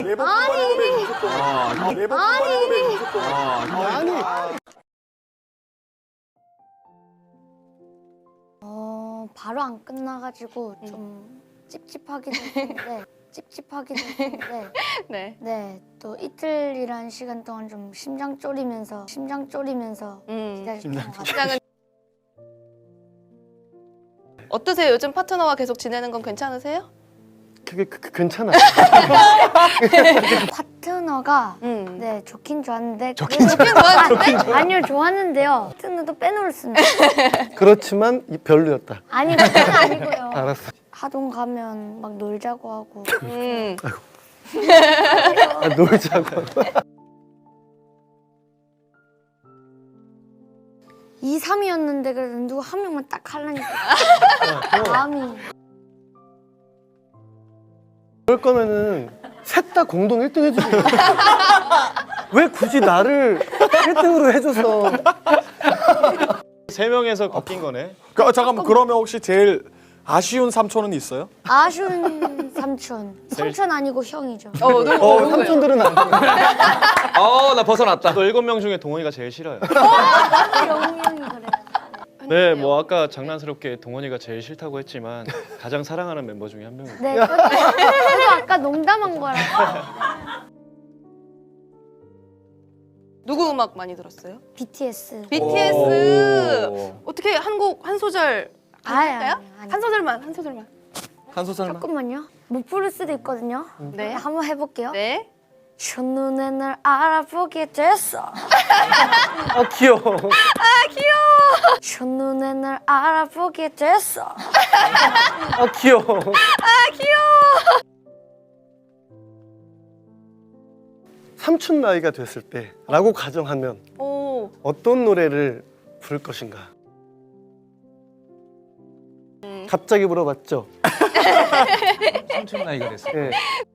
매번 뽑아내고 무조건. 매번 뽑아내고 무조건. 아니. 바로 안 끝나가지고 좀 찝찝하기도 했는데 네. 네, 또 이틀이란 시간 동안 좀 심장 졸이면서 기다렸던 것 같아요. 시장은 어떠세요? 요즘 파트너와 계속 지내는 건 괜찮으세요? 그게 괜찮아. 파트너가 네 좋긴 좋았는데 좋긴 좋았는데? 아니요 좋았는데요. 파트너도 빼놓을 수는 그렇지만 별로였다. 아니 그건 아니고요. 알았어. 하동 가면 막 놀자고 하고 놀자고. 2, 3위였는데 그래도 누구 한 명만 딱 하려니까 마음이 그럴 거면은 셋 다 공동 1등 해주지. 왜 굳이 나를 1등으로 해줘서. 세 명에서 바뀐 거네. 잠깐만, 그러면 혹시 제일 아쉬운 삼촌은 있어요? 아쉬운 삼촌 아니고 형이죠. 누구예요? 삼촌들은 안 돼. 나 벗어났다. 또 7명 중에 동원이가 제일 싫어요. 영웅이 형이 그래요. 네, 뭐 아까 장난스럽게 동원이가 제일 싫다고 했지만 가장 사랑하는 멤버 중에 한 명입니다. 네, 저도 아까 농담한 거라서. 누구 음악 많이 들었어요? BTS. BTS. 어떻게 한 곡 한 소절 할까요? 아니. 한 소절만. 한 소절만. 잠깐만요. 못 부를 수도 있거든요. 네. 한번 해볼게요. 네. 첫눈에 널 알아보게 됐어. 귀여워. 첫눈에 널 알아보게 됐어. 귀여워. 삼촌 나이가 됐을 때라고 가정하면 오. 어떤 노래를 부를 것인가? 갑자기 물어봤죠? 삼촌 나이가 됐어. 네.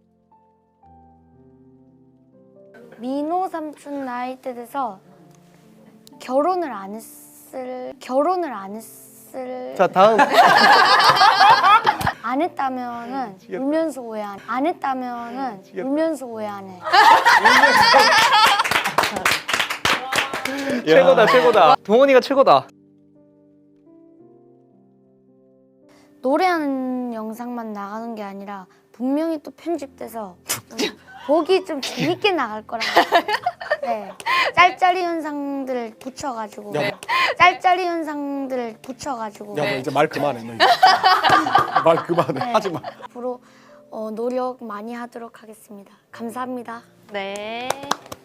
민호 삼촌 나이 때 돼서 결혼을 안 했을 자, 다음. 안 했다면은 울면서 오해 안 했다면은 울면서 오해 안 해. 최고다, 최고다. 동원이가 최고다. 노래하는 영상만 나가는 게 아니라 분명히 또 편집돼서 보기 좀 재밌게 나갈 거라고. 네, 짤짤이 현상들을 붙여가지고 야, 붙여가지고 야, 너 이제 말 그만해. 너 이제. 말 그만해. 네. 하지 마. 앞으로 노력 많이 하도록 하겠습니다. 감사합니다. 네.